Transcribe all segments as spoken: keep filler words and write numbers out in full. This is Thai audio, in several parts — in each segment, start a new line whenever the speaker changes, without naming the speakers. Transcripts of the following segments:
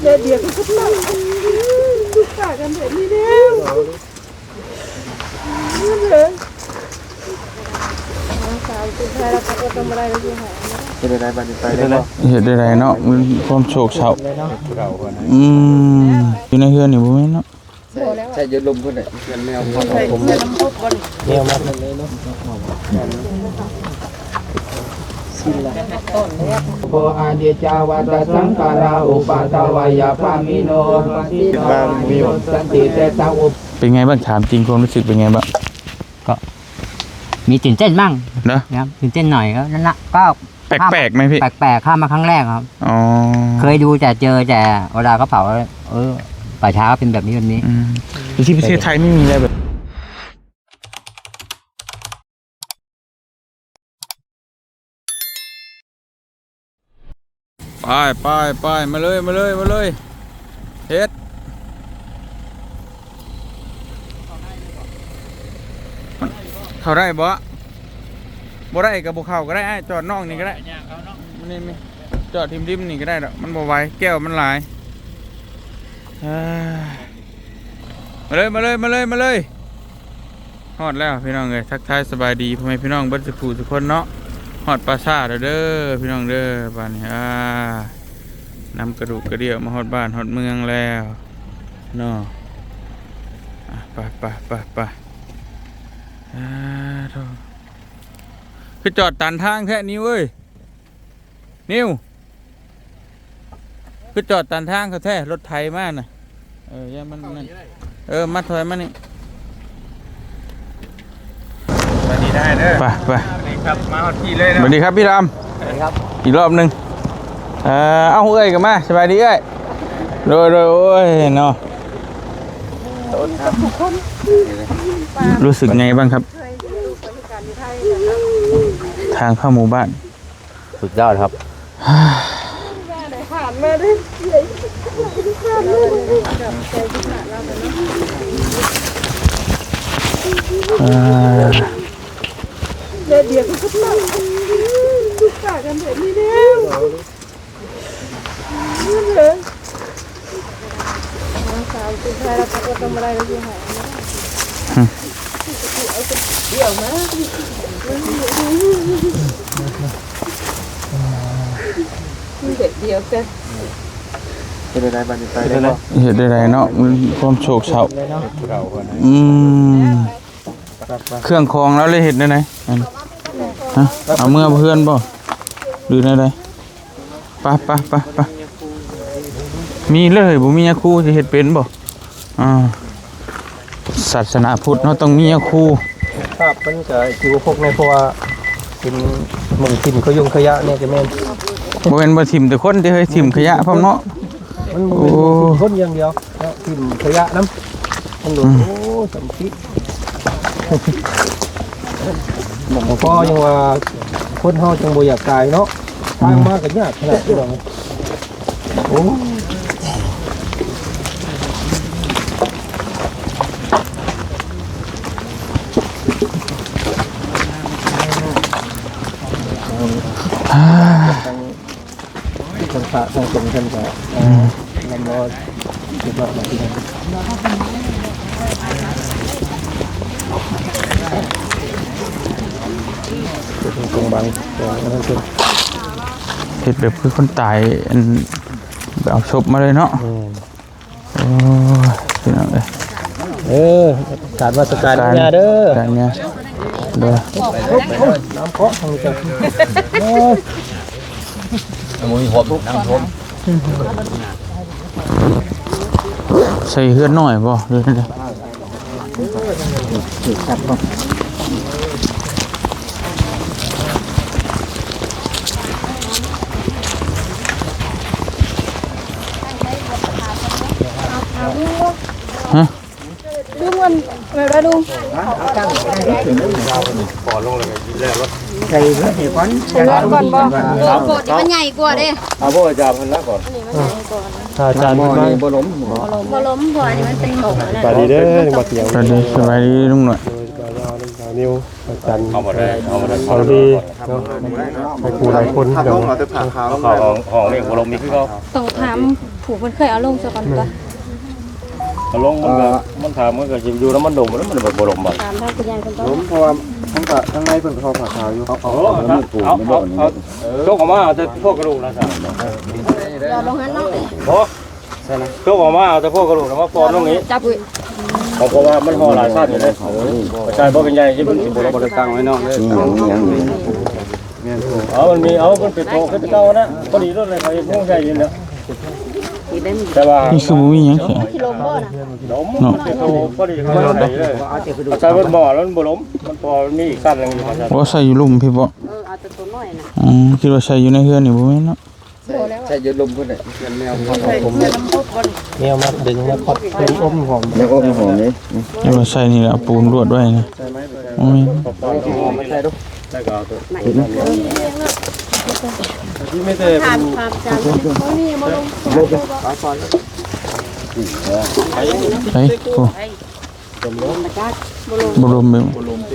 เดี๋ยวก็ต้องทุกข์กันแบบนี้แล้วเลยสาวสุดท้ายเราก็ทำอะไรเราอยู่หาเห็นอะไรบ้างไปเลยเห็นอะไรเนาะมันความโศกเศร้าอืมอยู่ในเฮือนนี่บ่แม่นเนาะใช่ยืนลมคนไหนเฮือนแมวคนผมแมวมากเลยเนาะโพอาเดจาวาตสังขาราอุปาทวายาพามิโนติบางมิโยสันติเตตาอุเป็นไงบ้างถามจริงความรู้สึกเป็นไงบ้าง
ก็มีตื่นเต้นบ้าง
นะครับ
ตื่นเต้นหน่อยก็นั่นละก็
แปลกๆไหมพี่
แปลกๆข้ามมาครั้งแรกครับ
อ๋อ
เคยดูแต่เจอแต่เวลาเขาเผาเออป่าช้าเป็นแบบนี้แบบนี้
ที่ประเทศไทยไม่มีอะไรแบบไปไปไปมาเลยมาเลยมาเลยเฮ็ดเข้าได้บ่บ่ได้กับบ่เข้าก็ได้จอดนอกนี่ก็ได้มันนี่จอดทิมริมนี่ก็ได้ดอกมันบ่ไหวแก้วมันหลายมาเลยมาเลยมาเลยมาเลยฮอดแล้วพี่น้องเอ้ยทักทายสบายดีพ่อแม่พี่น้องเบิดสุขทุกคนเนาะฮอดปราสาทเด้อพี่น้องเด้อบ้านนี้อ่านำกระดูกกระเดี่ยวมาฮอดบ้านฮอดเมืองแล้วเนาะไปไปไปไปอ่าโธ่คือจอดตันทางแค่นี้เว้ยนิวคือจอดตันทางเขาแท้รถไถมากน่ะเออยังมันนั่นเออมาถอยมานี่สวัสดีได้เด้อไปไปสวัสดีครับมาฮอดที่เลยนะสวัสดีครับพี่รามสวัสดีครับอีกรอบนึงเออเอาเอ้ยกันมาสบายดีเอ้ยโดยโดยโอ้ยเนาะรู้สึกไงบ้างครับทางเข้าหมู่บ้าน
สุดยอดครับ
ผ่านมาได้เดี๋ยวเดี๋ยวก็ต้องทุกข์กันแบบนี้แล้วเลยสาวสุดท้ายเราก็ทำอะไรเราอยู่หาเดี๋ยวนะเด็กเดียวกันเห็นอะไรบ้างไปเลยเห็นอะไรเนาะมันความโศกเศร้าอืมเครื่องคองแล้วเลยเห็นได้ไหนฮะเอาเมื่อเพื่อนบ่ดูได้ไหนปะปะปะปะมีเลยบ่มียาคูจะเห็ดเป็นบ่อ่าศาสนาพุทธเนาะต้องมียาคู
ครับมันจะอยู่พวกในเพราะว่าเป็นหม่องถิ่นเขายุ่งขยะเนี่ยจะแม่น
บ่แม่นบ่ถิ่มแต่คนที่เฮ้ยถิ่มขยะพร้อมเนาะ
มันบ่เป็นคนอย่างเดียวเนาะถิ่มขยะนำมันโอ้สำคิดหม่องพ่อยังว่าคนเฮาจังบ่อยากตายเนาะทางมาก็ยากขนาดนี้ดอกโอ้คนพระทางสงฆ์ท่านก็นำรอจุดหลักมาที่นั่นจุดตรงบังตรงนั้นคือ
เห็ดแบบคือคนตายเอาศพมาเลยเนาะโอ้ยพี่น้องเอ้ย
เออการวัดการเนี่ยเด้อ
การเนี่ยเด้อ
น้ำเคาะทางนี้จ้ะ
มือหัวทุกน้ำท่วม
ใส่เฮือนหน่อยบ่เด้อเด้อ
ครับบ่
ฮะ
ลุงมันไปไปลุง
ปอลงเลยแล้วรถใส่รถเหตุผล
ใส่รถก่อนบ่โกดมันใหญ่กว่าเด้
เอาบ่อาจารย์เพิ่นละก่อนถ้าอาจารย์บ่บ่ล้ม
บ่ล้มบ่อันนี้มันเป็นหมก
สบายดีเด้อบ่เกี่ยว
สบายดีสบายดีลุงหน่อย
นิวจัน
เอาหมดเลยเอาหมดเลย
เอาดีเนาะให้ครูหลายคน
ถ้า
เดี๋ย
ต้
ว
องเอาแต่ผ่าขาว
เขาห้องห้องนี่หัวลมนี่คือเขา
ต้องถามผู้เพิ่นเคยเอาลงซะก่อนก็
เขาลงมันก็มันถามมันก็จะอยู่แล้วมันดมแล้วมันแบบบ่ลมบ่
ถามทางคุณยายเพิ่นต้อ
ล้
ง
มเพราะว่าทั้งกะทั้งในเพิ่นเขาผ่าขาวอยู่เขา
เอาเอาเอาเอาโจกออกมาเอาแต่พวกกระดูกนะจ๊ะ
รอลงหันเนาะ
โอ้โจกออกมาเอาแต่พวกกระดูกนะว่าปอนตรงนี้
จับอุ้ย
เพราะว่ามันห่อหลายชาติอยู่เลยใช่บ่เป็นใหญ่ที่มันสิบ่ลงบ่ได้ตั้งไว้เนาะเอามันมีเอามันเป็นโตขึ้นเก่านะพอดีรถเลยเขาเฮ็ดงูใส่อยู่เนาะแต่ว่า
นี่คือบ่มีหยังแข็ง
สิลมบ่น่ะ
ล้มเป็นโตพอดีเขาใส่เลยใส่บนบ่อแล้วมันบ่ล้มมันพอมีอีกขั้นนึงอยู่ครับ
บ่ใส่อยู่ลุ่มพี่บ่
เออเอาแต่ตัวน้อยน่ะ
อ๋อคิดว่าใส่อยู่ในเฮือนนี่บ่แม่นเนาะ
ใช่ยืดลมเพิ่นน่ะเป็นแมวผม
แนวมาดึงมาคดเป็นอมหอม
แล้วก็หอมนี่
คิดว่าใส่นี่แหละเอาปูนรวดไว้นะโอ้ย
ไม่ใช่ดู
ได้ก็เอาตัว
ที่ไม่ได้
ถามถามจานเขานี่มาลง
ขาฟอน
ใส่โอ้บ่ลมแบบ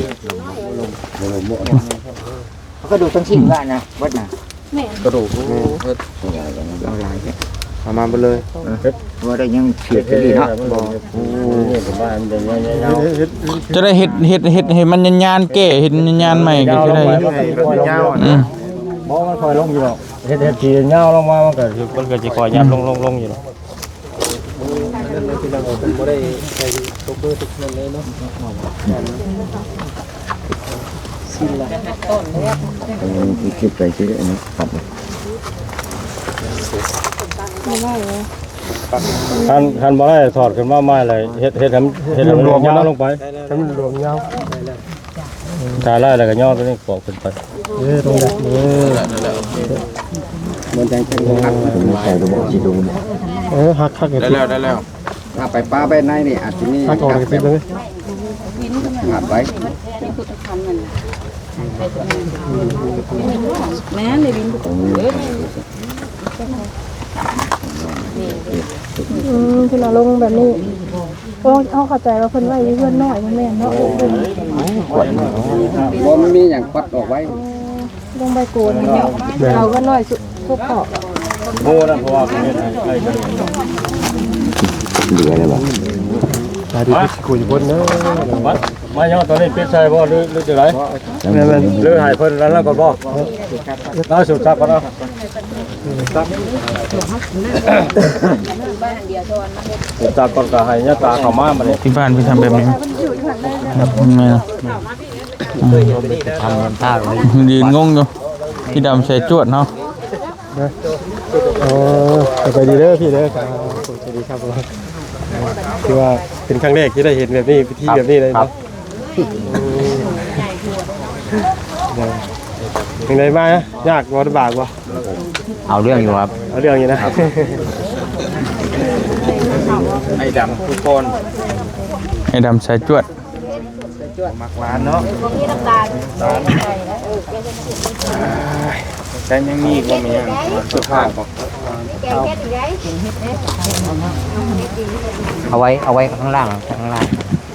เขาก็ดูทั้งชิ้นว่านะวัดนะ
แม่
กระดูกเอาลายเอามาไปเลย
ว่าได้ยังเฉียดดีเนาะ
นี่ผมว่ามันจะยาว
จะได้เฮ็ดเฮ็ดเฮ็ดให้มันยานๆแก้เฮ็ดยานๆใหม่ก็จะได้
ยาว
อืม
ๆบ่มันคอยลงอยู่หรอกเฮ็ดเฮ็ดทียาวลงมามันก็มันก็สิคอยยับลงลงลงอยู่หรอก
บ่ได้ใส่ตุ๊กเบอร์ทุกนั่นเลยเนาะ
คลิปไปชื่ออันนี้ครับ
คันคันบ่ได้ถอดขึ้นมาใหม่เลยเฮ็ดเฮ็ดให้มันเฮ็ดให้มันยาวลงไป
ทั้งรวมยาว
ตาไล่แล้วก็ย่อตัวนี้ปอกขึ้นไป
เออตรงนี้เออ
มันจังจังผมใส่ตัวบอกสิดู
เออหักหัก
ได้แล้วได้แล้ว
ถ้าไปป้าไปในนี่อาจจะมี
หักออกไปเลย
หักไว้
แม่เลยบินอืมเพิ่นเอาลงแบบนี้โอ้เอาเข้าใจว่าเพิ่นไว้เพื่อนน้อยแม่นเนาะ
บ่มันมีอย่างปัดออกไว้
ลงใบโกนเอาก็น้อยสุดทุกขอบ
โอ้นั่นเพราะว่าเป็นเฮ็ดให้ไอ้กัน
เหลือเลยบ่
ตาดีคุยบนเนาะ
มามาย่อตัวนี้ปิดใส่บ่หรือหรือจังได๋
แม่น
หรือให้เพิ่นแล้วแล้วก็บ่ล่าสุดจับก่อนเนาะจับก่อนก็ให้ยาตาเข้ามาบัดนี้
ที่บ้านพี่ทำแบบนี้แม่น
ทำเงินท่าเลย
ยืนงงอยู่พี่ดำใส่จวดเนาะ
อ๋อไปดีเด้อพี่เด้อครับสวัสดีครับคือว่าเป็นครั้งแรกที่ได้เห็นแบบนี้พิธีแบบนี้เลยเนาะยังไงมายากบ่ลำบากบ่
เอาเรื่องอยู่ครับ
เอาเรื่องนี้นะ
ไอ้ดำทุกคน
ให้ดำใส่จวด
มักหวานเนาะแต่ยังมีก็มีสุภาพบ่
เอาไว้เอาไว้ข้างล่างข้างล่าง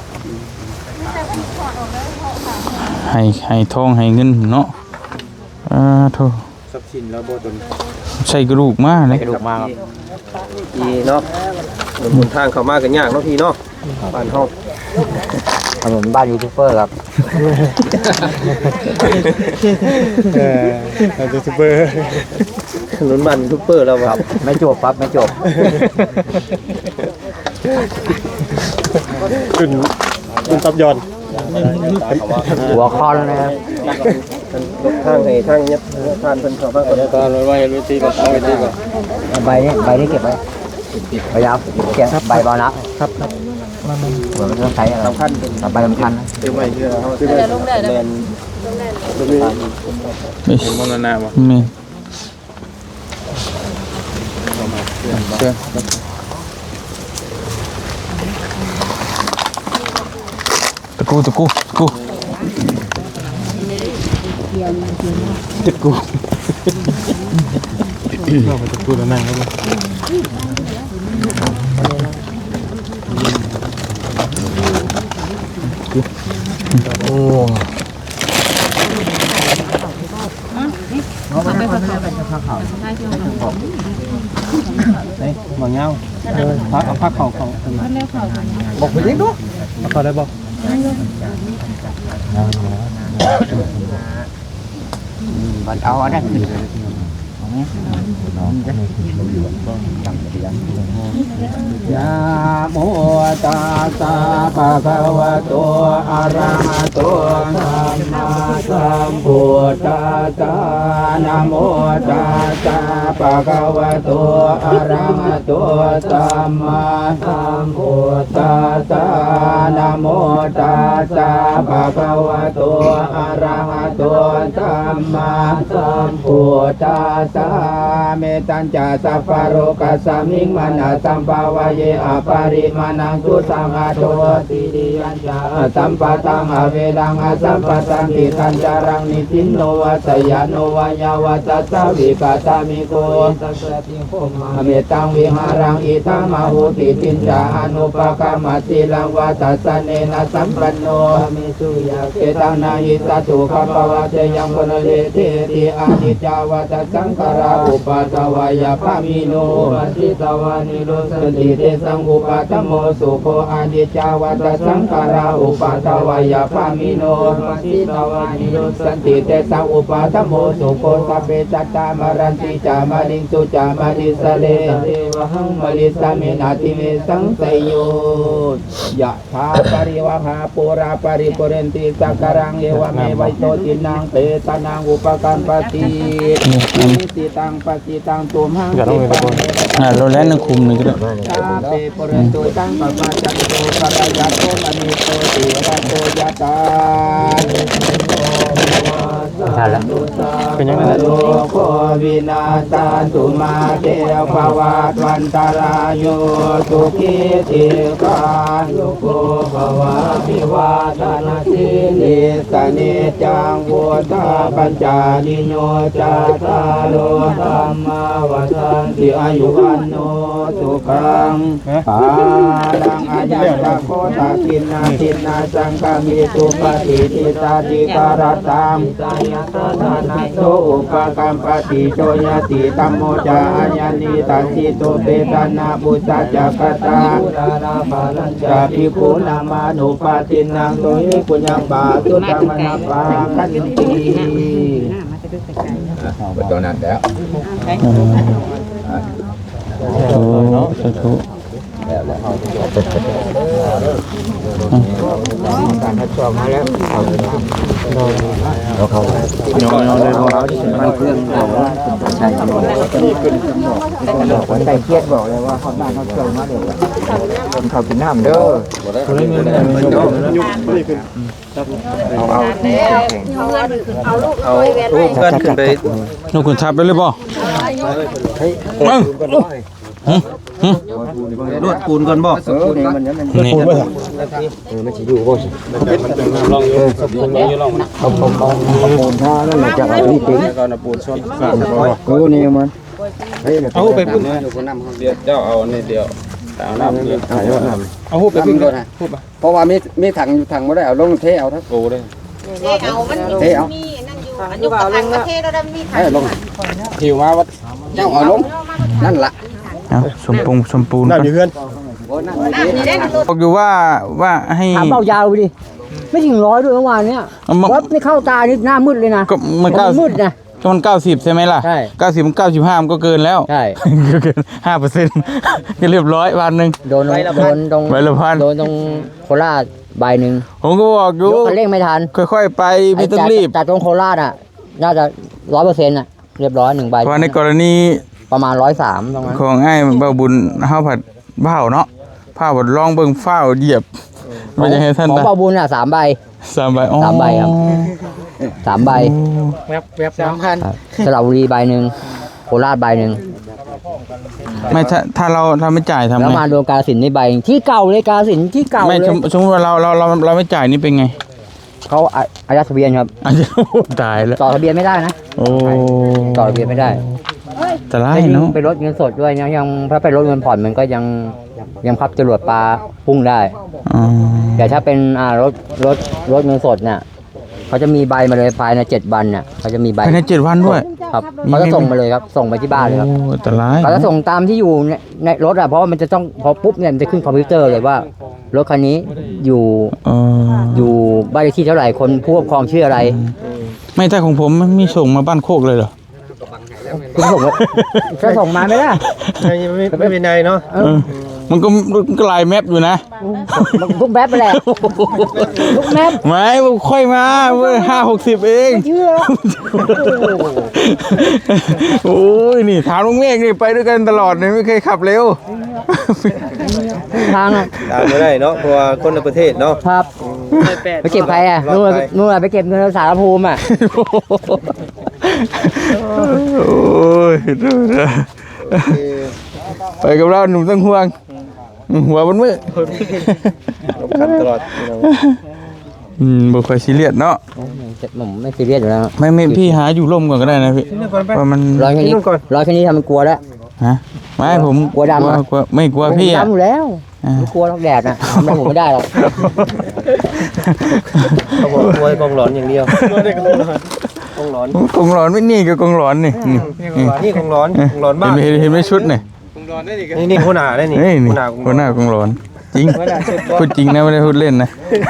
ให้ให้ทองให้เงินเนาะอ่าโธ่
ทรัพย์สินแล้วบ่ตน
ใส่กระดูกมาเลย
กระดูกมากครับ
พี่เนาะหมุนทางเข้ามากันยากเนาะพี่เนาะบ้านเฮา
ถนนบ้านยูทูบเบอร์ครับ
เออทางยูทูบเบอร์หนุนบ้านยูทูบเบอร์แล้วครับ
ไม่จบครับไม่จบ
ขึ้นขึ้นตับยอน
หัวคอนนะครับ
ทางให้ทางยัดทานเพิ่นเข้ามาก่อน
ตาเลยว่าเฮ็ดวิธีก่อนเอาวิธีก่อน
ใบนี้ใบนี้เก็บไว้พยายามเก็บใบบอลนะครับ
ครับ
เหมือนมันต้องใช้อะไรสำคัญใบสำคัญนะ
ซื้อไว้เพื่อเฮาซื้อไว้แม่น
ไม่มรณะบ่แม่เชื่อตะกูตะกูตะกูตะกู
เราไปตะกูแล้วนั่งครับโอ้
บางเงาพักเอาพักเข่าเข่าบอกไปดิดูเอาเขาได้บอก
มันเอาอันนั้นขึ้น
ยะโมตัสสะภะคะวะโตอะระหะโตสัมมาสัมพุทธัสสะนะโมตัสสะภะคะวะโตอะระหะโตสัมมาสัมพุทธัสสะนะโมตัสสะภะคะวะโตอะระหะโตสัมมาสัมพุทธัสสะเมตัญจสัพพะโรกัสสมิงมนะสัมภาวะเยอปาริมานังสุสังฆโตติริยัญจาสัมปะตังอเวดังอสัมปะตังติทันจารังนิสินโนวัสยาโนวายาวัสสะวิกาตามิโกสัสติโภมาเมตังวิหารังอิทังมหุติตินจาอนุปกรรมติลังวัสสะเนนะสัมปันโนมิสุยาเกตังนาหิสัตุขปวะเตยังปนเลเทติอานิจจาวัตสังขาราอุปาทวายาภามิโนปัสสิตวานิโรสติเตสังอุปาทโมสุโคอานิจจาวัตสังขาราอุปาทวายาภามิโนปัสสิตวานิโรสติเตสังอุปาทโมสุโคสัพเพสัตตามรันติจามาลิงสุจามาลิสเลเทวหังมลิสามินาติเมสังเสยโยยะถาปริวหาปุราปริปุเรนติสักการังเอวเมวัยโตตินังเตตานังอุปการปฏิติตังปฏิตังตุมหังติปัง
อ่าเราแล้วนึงคุมนึงก็ได้
ชาเปปุเรนตุตังปะปะจันโตปะระยะโตมณีโตติระโตยะตา
ทันแล้ว
เป็นยังไงโลโควินาศาตุมาเตภวัตวันตรายโยสุขีติกายุโกภวะพิวาทนาสิลิสเนจังพุทธาปัญจานิโยจัตตาโลธัมมาวัฏันติอายุวันโนสุขังปาลังอายัตตะโคตากินนาทินนาสังฆมิสุปฏิทิตาติการตังยัตถานาโสอุปกรรมปฏิโชยติตัมโมจาอัญญานิตัสสิโตเปตานาบุตตะจักตาจะภิกขุนามานุปตินังโตหิปุญญบาตุธรรมนาปาคันติตัวนั้นแล้ว
โอ้สาธุ
การทดสอบมาแล้วเราเขา
ยอมยอมเลยบ่
มันเครื่องของใช่ครับคนใจเครียดบอกเลยว่าเขาบ้านเขาเกิดมาเดี๋ยวคนเขากินน้ำเด้อเอาเอาเอาลูกกันขึ้นไป
ลูกคุณทับไปเลยบ่มึง
รวดปูนก่อนบ่
เออเนี่ยมันเนี่ยมัน
นี่
เออไม่ใช่อยู่บ่สิลองอยู่ลองเอาเอาเอาเอาปูนท่านั่นแหละจะเอาที่จริงก่อนปูนซ้อนเออนี่มันเอาไปปูนเดี๋ยวเจ้าเอานี่เดียวเอาน้ำเดือดเอาหูไปพึ่งด้วยเพราะว่ามีมีถังอยู่ถังไม่ได้เอาลงเทเอาทั้งโอ้เลย
เทเอามันอยู่มีนั่นอยู่อันอยู่กับถังประเทศเราได้มีถัง
ให้ลงหิวมาวัดเจ้าเอาลงนั่นล่ะ
เอาสมปูนสมปูน
น้ำอยู่เพื่อน
น้ำนี่ได้กันตัว
บอกอยู่ว่าว่าให้
ถามเบายาวไปดิ ไม่ถึงร้อยด้วยเมื่อวานเนี้ย
เอามา
วัดไม่เข้าตานี่หน้ามืดเลยนะ
ก็มันเก้า
มืดนะ
ก็มันเก้าสิบใช่ไหมล่ะ
ใช่
เก้าสิบมันเก้าสิบห้ามันก็เกินแล้ว
ใช่
ก็เกินห้าเปอร์เซ็นต์ก็เรียบร้อยวันหนึ่ง
โดนโดนตรง
ใบละพัน
โดนตรงโคราชใบหนึ่ง
ผมก็บอกอยู่
ยกคันเร่งไม่ทัน
ค่อยๆไปไม่ต้องรีบ
แต่ตรงโคราชอ่ะ น่าจะร้อยเปอร์เซ็นต์อ่ะ เรียบร้อยหนึ่งใบ
เพราะในกรณี
ประมาณร้อยสามตรงนั้น
ของไอ้เบาบุญเฮาผัดเบ้าเนาะผ้าผัดลองเบิ่งฟ้าวเหยียบมันจะให้ท่าน
ของ
นะ
ปาบุญอ่ะสามใบ
สามใบอ๋อ
สามใบครับ สามใบ
แวบแวบสามพัน
ครับสระบุรีใบหนึ่งโคราชใบหนึ่ง
ไม่ถ้าถ้าเราเราไม่จ่ายทำ
แล้ว
ไง
มาโดนกาฬสินธุ์ในใบที่เก่าเลยกาฬสินธุ์ที่เก่า
ไม่
เลย
สมสมมติว่าเราเราเราเราไม่จ่ายนี่เป็นไง
เขาอาอายัดทะเบียนครับ
อาจจะตายแล้ว
ต่อทะเบียนไม่ได้นะ
โอ้
ต่อทะเบียนไม่ได้
แต่ไร
ถ้ายิ่ง
เนาะ
ไปลดเงินสดด้วยยังยังถ้าไปลดเงินผ่อนมันก็ยังยังพับจรวดปลาพุ่งได้
อ๋อ
แต่ถ้าเป็นอ่ารถรถรถเงินสดเนี่ยเขาจะมีใบมาเลยภายในเจ็ดวันเนี่ยเขาจะมีใบ
ภายในเจ็ดวันด้วย
ครับเขาจะส่งมาเลยครับส่งไปที่บ้านเลยครับ
โอ้อันตราย
เขาจะส่งตามที่อยู่ในในรถอ่ะเพราะว่ามันจะต้องพอปุ๊บเนี่ยมันจะขึ้นคอมพิวเตอร์เลยว่ารถคันนี้อยู่
เออ
อยู่บ้านเลขที่เท่าไหร่คนผู้ปกครองชื่ออะไร
ไม่แต่ของผมมันมีส่งมาบ้านโคกเลยเหรอ
คุณส่งมาจะส่งมาไหมล่ะ
ไม่ไม่ไม่เป็นไรเนาะ
เออมันก็มันก็ลายแมปอยู่นะ
ทุกแมปไปแหละทุกแมป
ไม่ค่อยมาเว้ยห้าหกสิบเอง
เชื่อ
โอ้ยนี่ถามลุงเมฆนี่ไปด้วยกันตลอดเนี่ยไม่เคยขับเร็ว
ทางอ่ะ
ตามไม่ได้เนาะเพราะว่าคนในประเทศเนาะ
ครับไปเก็บใครอ่ะนู่นนู่นไปเก็บเงินสารภูมิอ่ะ
โอ้ยดูนะไปกับเราหนุ่มต้องห่วงหัวบนมือ
ลงคันตลอด
อืมบ่ค่อยซีเรียสเนาะ
ผมไม่ซีเรียสอยู่แล้ว
ไม่ไม่พี่หาอยู่ร่มก่อนก็ได้นะพี่เพราะมัน
ร้อยแค่นี้ร้อยแค่นี้ทำมันกลัวแล้ว
ฮะไม่ผม
กลัวดำอะ
กลัวไม่กลัวพี่อ่ะ
ดำอยู่แล้ว
อ่า
ไม่กลัวหรอกแดดนะทำอะไรผมไม่ได้หรอก
เขาบอกกลัวกองหลอนอย่างเดียวกองหลอน
กงหลอนไม่นี่ก็กงหลอนนี่นี่นี่
นี่กองหลอนกองหลอนบ้าน
เห็นไหมเห็นไหมชุดนี่
นี่นี่คนหนาได้นี่
เฮ้ยนี่
คนหนา
คนหน้ากงหลอนจริงพูดจริงนะไม่ได้พูดเล่นนะ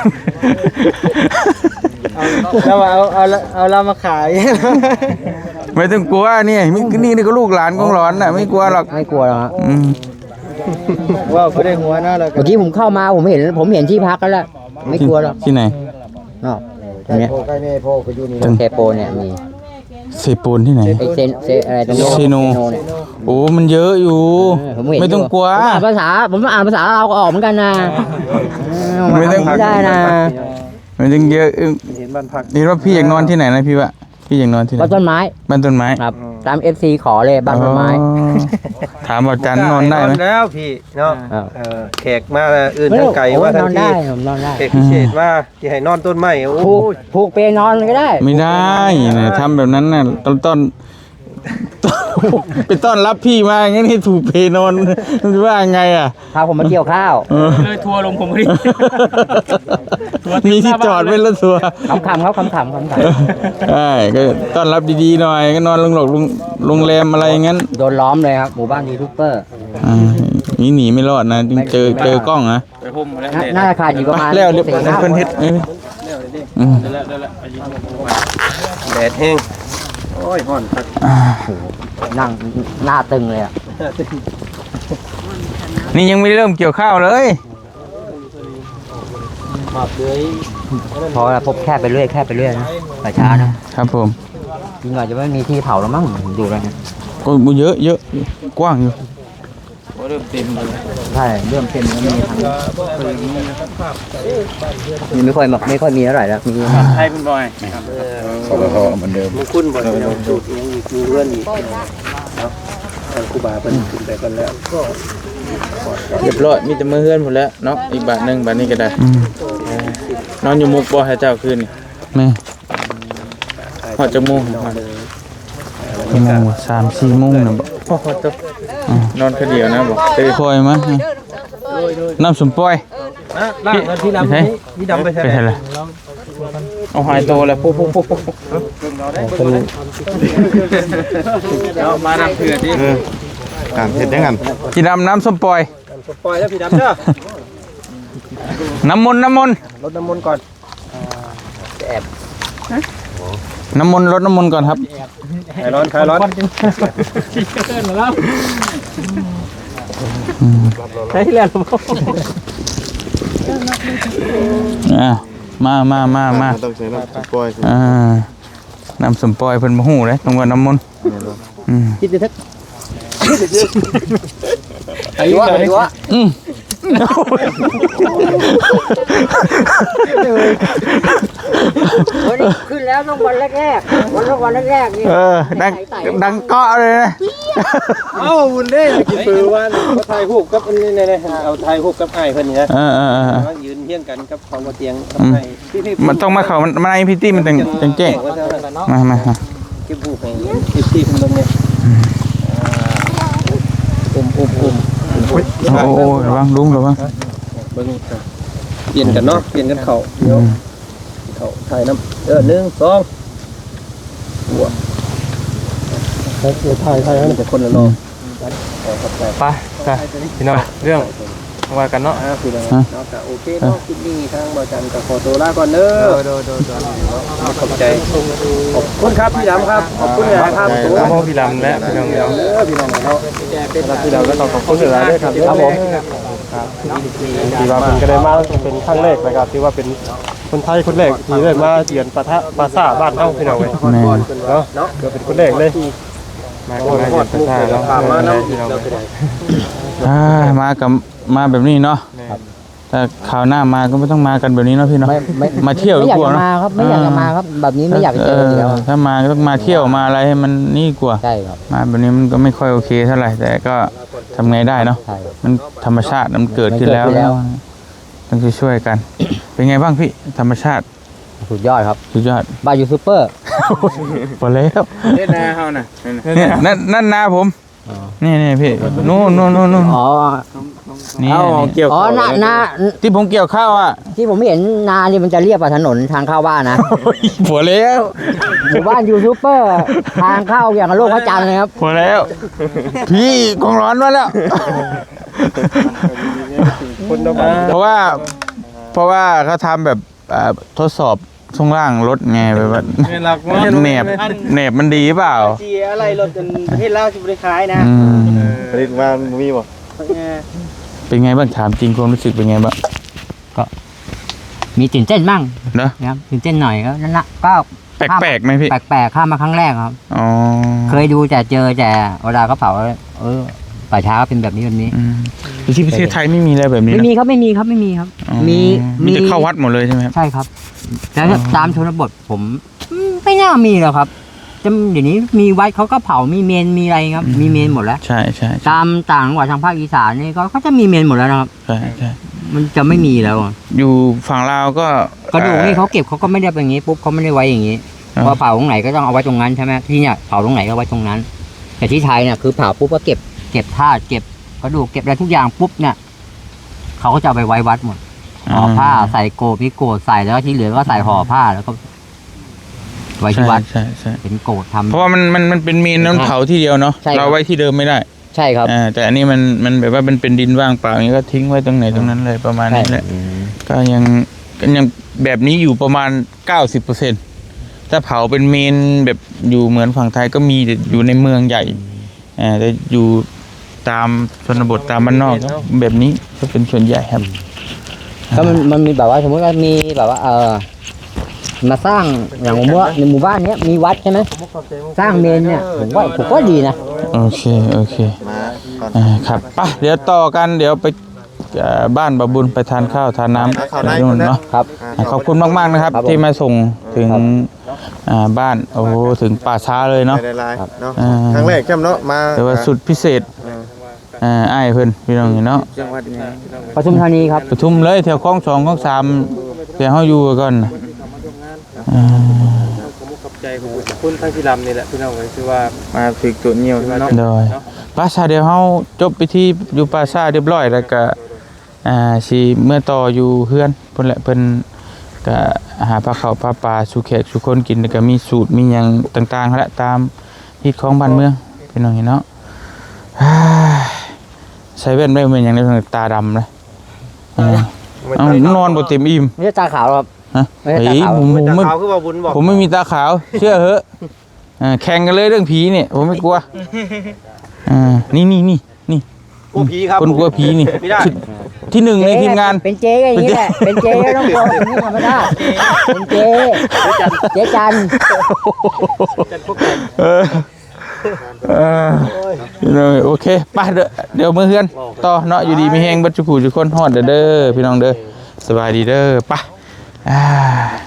แล้วเอาเอาเอาเรามาขาย
ไม่ต้องกลัวนี่มินี่นี่ก็ลูกหลานกงหลอนน่ะไม่กลัวหรอก
ไม่กลัวหรอกฮะ
อืม
ว่าเขาได้หัวหน้าเรา
เมื่อกี้ผมเข้ามาผมเห็นผมเห็นที่พักแล้วล่ะไม่กลัวหรอก
ที่ไหน
นอกตรงเนี้ย
ใกล้แม่พ่อก็อยู่นี่
เทโปเนี่ยมี
เซปูนที่ไหน
ไอเซนเซอะไรตรง
เซโน
เนี่ย
โอ้มันเยอะอยู่
เออผมเห็น
ไม่ต้องกลัว
ผมอ่านภาษาผมอ่านภาษาเราก็ออกเหมือนกันนะเออ
ไม่ต้อง
ไม่ได้นะ
มันยังเยอะเอิ่ม
เห็นบ้านพัก
เห็นว่าพี่อยากนอนที่ไหนนะพี่วะพี่อยากนอนที่ไหน
บ้านต้นไม้
บ้านต้นไม้
ครับตามเอฟซีขอเลยบ้านต้นไม้
อ๋อถามว่าจันนอนได้ไหม
แล้วพี่เนาะ
เออ
เออแขกมาอื่นทั้งไก่
โอ้ย
ว่าทั้
น
ง
อน
ที่
ได้ผมนอนได้
แขกพิเศษมาที่ให้นอนต้นไม้โอ้
ผูก
ย
ผูกเปนอนก็ได้
ไม่ได้นะทำแบบนั้นน่ะต้นต้น ไปต้อนรับพี่มาอย่างงี้นี่ถูกเพนอนมันจะว่าไงอ่ะ
พาผมมาเกี่ยวข้าว
เลยทัวร์ลงผมพอดี
มีที่จอดไว้แล้วทัวร์
ขำๆเขาขำๆขำ
ใช่ก็ต้อนรับดีๆหน่อยก็นอนโรงหลอกโรงแรมอะไรอย่างงั้น
ๆโดนล้อมเลยครับหมู่บ้านยูทูบเบอร์
อ่านี่หนีไม่รอดนะเจอเจอกล้องนะ
ไปพุ่มแล้ว
น่าน่าจะขาดอยู่ประมาณ
แล้วเรียบ
สี่
ร้อย
ห้า
เพิ่นเฮ็ดเอ้ยอืม
แดดแห้งโอ้ยห่อนพัก
นั่งหน้าตึงเลยอ่ะ
นี่ยังไม่ได้เริ่มเกี่ยวข้าวเลย
พอแล้วพบแค่ไปเรื่อยแค่ไปเรื่อยนะแต่ช้านะครับ
ผม
จริงหน่อยจะไม่มีที่เผาแล้วมั้งดูแล้วนะ
ก็เยอะเยอะกว้างอยู่
ใช่เริ่มเต็มแล้วมีทางมีไม่ค่อยไม่ค่อยมีเท่าไหร่แล้วมี
ให้คุณบอย
มันคุ้นบ่ได้เราสูตรยังมีมีเพื่อนอีกเนาะทางครูบาเพิ่นขึ้นไปกันแล้วก็
เรียบร้อยมีแต่มือเฮือนหมดแล้วเนาะอีกบาทหนึงบาทนี้ก็ได้นอนอยู่มุกบ่ให้เจ้าคืนนี่แม่ฮอดจักโมงฮอดกี่โมงวะสามสี่โมงน่ะบ่นอนคนเดียวนะบ่ตื่นคอยมาน้ำสมปอย
อ่ะล่างที่ดำนี่นี่ดำไปใช่
ไป
ไหม
ใช่ละเอาหายโตแล้วปุ๊บปุ๊บปุ๊บปุ๊บ
เอามานำเผื่อดิ
อ่านเห็นยังกัน
พี่ดำน้ำส้มปอย
ปล่อยแล้วพี่ดำเด้อ
น้ำมนต์น้ำมนต์
รดน้ำมนต์ก่อน
น้ำมนต์รดน้ำมนต์ก่อนครับ
คลายร้อนคลายร้อน
ใช่แล้ว
อ่ามามามามา
ต้องใช้น้ำปล่อย
อ่าน้ำส้มปอยเพิ่นบ่ฮู้เลยต้องว่าน้ำมนต์อืม
คิดจะทึกอายุอายุ
อืม
ขึ้นแล้วต้องวันแรกๆวันวันแรกๆนี่
เออดังดังเกาะเลยนะ
เอ้าบุญเด้กินปือว่าเขาถ่ายรูปกับนี่นี่เอาถ่ายรูปกับไอ้เพิ่นนี่นะ
เออเออเออ
ยืนเที่ยงกันกับของบ่เตียงกับไอ้พี่พี่
มันต้องมาเข้ามันมาในพิธีมันจังจังแจ้งมามามา
เก็บรูปให้พี่พี่เพิ่นเบิ่งเนี่ยอุ้มอุ้มอุ้ม
โอ้โอ้โหระวังลุงระวัง
เบิ่งเปลี่ยนกันเนาะเปลี่ยนกันเข่าเดี๋ยวเข่าถ่ายน้ำเออหนึ่งสองหัวถ่ายถ่ายให้เป็นคนละรอบ
ไปจ้ะพี่น้องเรื่องว่ากันเนาะ
พี่น้องเนาะก็โอเคเนาะคลิปนี้ทางบ่จันก็ขอตัวลาก่อนเด้อ
โดโดโด
ขอบใจขอบคุณครับพี่ดำครับขอบคุณนะครับตัว
น้องพี่ลำและพี่น้อง
เด้อพี่น้องเนาะ
พี่เราก็ต้องขอบคุณหลายด้วยครับ
ครับผมที่ว่าเป็นก็ได้มาเป็นครั้งแรกนะครับที่ว่าเป็นคนไทยคนแรกที่ได้มาเยือนปะทะปราสาทบ้านเฮาพี่น้องเว้ย
แม่
เนาะเนาะเกิดเป็นคนแรกเลย
มาก็มาเยี่ยมประชาเราพี่น้อง
อ่ามากับมาแบบนี้เนาะแต่คราวหน้ามาก็ไม่ต้องมากันแบบนี้เนาะพี่เนาะ
ไม่ไม่
มาเที่ยว
ไม่อยาก
กว่า
จะ
เนาะ
มาครับไม่อยากจะมาครับแบบนี้ไม่อยากจะเจออยู่แล้ว
ถ้ามาก็ต้องมาเที่ยวมาอะไรให้มันนี่กว่า
ใช่ครับ
มาแบบนี้มันก็ไม่ค่อยโอเคเท่าไหร่แต่ก็ทำไงได้เนาะ
ใช่
มันธรรมชาติมันเกิดขึ้นแล้ว
มันเกิดขึ้นแล้ว
ต้องช่วยๆกัน เป็นไงบ้างพี่ธรรมชาติ
สุดยอดครับ
สุดยอด
บายูซูเปอร์
พอแล้ว
เล่นนาเฮาน่ะ
เนี่ยนั่นนั่นนาผมนี่นี่พี่นู่นนู่นนู่นนู่น
อ๋อ
นี่
เอา
นี่
เกี่ยว
อ๋อนานา
ที่ผมเกี่ยวข้าวอ่ะ
ที่ผมเห็นนานี่มันจะเรียบกับถนนทางเข้าบ้านนะ
พอแล้ว
หมู่บ้านยูทูบเบอร์ทางเข้าอย่างกับโลกพระจันทร์เลยครับ
พอแล้ว พี่กองร้อนมาแล้ว
คนละบ้าน
เพราะว่าเพราะว่าเขาทำแบบอ่าทดสอบช่วงล่างรถไงแบบว่า
เนี่ยหลักว่า
แหนบแหนบมันดีเปล่า
เสียอะไรรถจนประเทศลาวสิบ่ได้ขายนะ
อืม
ผลิตมามีบ่
เป็นไงบ้างถามจริงความรู้สึกเป็นไงบ้าง
มีตื่นเต้นมั่ง
เนอะ
นะครับตื่นเต้นหน่อยก็นั่นละก็
แปลกๆไหมพี่
แปลกๆข้ามมาครั้งแรกครับ
อ๋อ
เคยดูแต่เจอแต่เวลาเขาเผาเออป่าช้าก็เป็นแบบนี้แบบนี้
อืมที่ประเทศไทยไม่มีอะไรแบบนี้
ไม่
นะ
มีครับไม่มีครับไม่มีครับ
อ๋อ
มี
มีแต่เข้าวัดหมดเลยใช่ไหมครับ
ใช่ครับแต่ตามชนบทผมอืมไม่น่ามีหรอกครับจะเดี๋ยวนี้มีวัดเขาก็เผามีเมนมีอะไรครับ มีเมนหมดแล้ว
ใช่ใช่ใช่
ตามต่างจังหวัดทางภาคอีสานนี่ก็เขาจะมีเมนหมดแล้วนะครับ
ใช่ใช่
มันจะไม่มีแล้วอะ
อยู่ฝั่งลาวก็
กระดูกนี่เขาเก็บเขาก็ไม่ได้เป็นอย่างนี้ปุ๊บเขาไม่ได้ไว้อย่างนี้
อ่า
พอเผาตรงไหนก็ต้องเอาไว้ตรงนั้นใช่ไหมที่เนี่ยเผาตรงไหนก็ไว้ตรงนั้น แต่ที่ไทยเนี่ยคือเผาปุ๊บก็เก็บเก็บธาตุเก็บกระดูกเก็บอะไรทุกอย่างปุ๊บเนี่ยเขาก็จะเอาไปไว้วัดหมดห่อผ้าใส่โกบมีโกดใส่แล้วก็ที่เหลือก็ใส่ห่อผ้าแล้วก็ไว้ที่วัด
ใช่ใช่
เป็นโกดทำ
เพราะว่ามันมันมันเป็นเมนน้ำเผาที่เดียวเนาะ
ใช่ครับ
เราไว้ที่เดิมไม่ได้
ใช่ครับ
อ่าแต่อันนี้มันมันแบบว่ามันเป็นดินว่างเปล่าอย่างนี้ก็ทิ้งไว้ตรงไหนตรงนั้นเลยประมาณนี้แหละ
อืม
ก็ยังก็ยังแบบนี้อยู่ประมาณ เก้าสิบเปอร์เซ็นต์ ถ้าเผาเป็นเมนแบบอยู่เหมือนฝั่งไทยก็มีแต่อยู่ในเมืองใหญ่อ่าแต่อยู่ตามชนบทตามบ้านนอกก็แบบนี้ก็เป็นส่วนใหญ่ครับ
ก็มันมันมีแบบว่าสมมติว่ามีแบบว่าเออมาสร้างอย่างผมว่าในหมู่บ้านเนี้ยมีวัดใช่ไหมสร้างเมนเนี่ยผมว่าผมก็ดีนะ
โอเคโอเคอ่าครับไปเดี๋ยวต่อกันเดี๋ยวไปเอ่อบ้านบาบุญไปทานข้าวทานน้ำไปนู่นเนาะ
ครับ
อ่าขอบคุณมากๆนะครับ
ครับผม
ที่มาส่งถึง
ครับ
อ่าบ้านโอ้โหถึงป่าช้าเลยเนาะ
ได้ลายเนาะ
อ่า
ครั้งแรกจำเนาะมา
แต่ว่าสุดพิเศษอ่าอ้ายเพิ่นพี่น้องเนาะ
ปทุมธานีครับ
ปทุมเลยแถวคลองสองคลองสามเดี๋ยวเฮาอยู่ก่อนน่ะอ่า
ขอบใจของคุณทั้งพี่ลำนี่แหละพี่น้องเลยคือว่ามาฝึกตัวเหนียวเนาะ
โดยป่าช้าเดี๋ยวเฮาจบพิธีอยู่ป่าช้าเรียบร้อยแล้วก็อ่าสิเมื่อต่ออยู่เฮือนเพิ่นแหละเพิ่นก็หาปลาข้าวปลาปลาสู่แขกสู่คนกินแล้วก็มีสูตรมีหยังต่างๆแหละตามฮิตของบ้านเมืองพี่น้องเนาะ อ่าใส่แว่นไม่เหมือนอย่างนี้ตาดำเลยอ่าเอานอนบนเต็มอิ่ม
ไม่ใช่ตาขาวหรอกครับ
ฮะ
ไม่ใช่
เฮ้ย
ตาขาว
ผมผมไม่
ขาวคือว่าบุญบอก
ผมไม่มีตาขาว เชื่อเหอะอ่าแข่งกันเลยเรื่องผีเนี่ยผมไม่กลัวอ่านี่นี่นี่นี่
กลัวผีครับ
คนกลัวผีนี่
ไม่ได้
ที่ที่หนึ่งในทีมงาน
เป็นเจ๊ก็อย่างนี้แหละเป็นเจ๊ก็ต้องโกงอย่างนี้ธรรมดาเป็นเจ๊เจ๊จัน
เออเออพี่น้องโอเคไปเด้อเดี๋ยวมือเฮือนต่อเนาะอยู่ดีมีแฮงบัดจุกูจุกคนฮอดเด้อเด้อพี่น้องเด้อสบายดีเด้อไปอ่า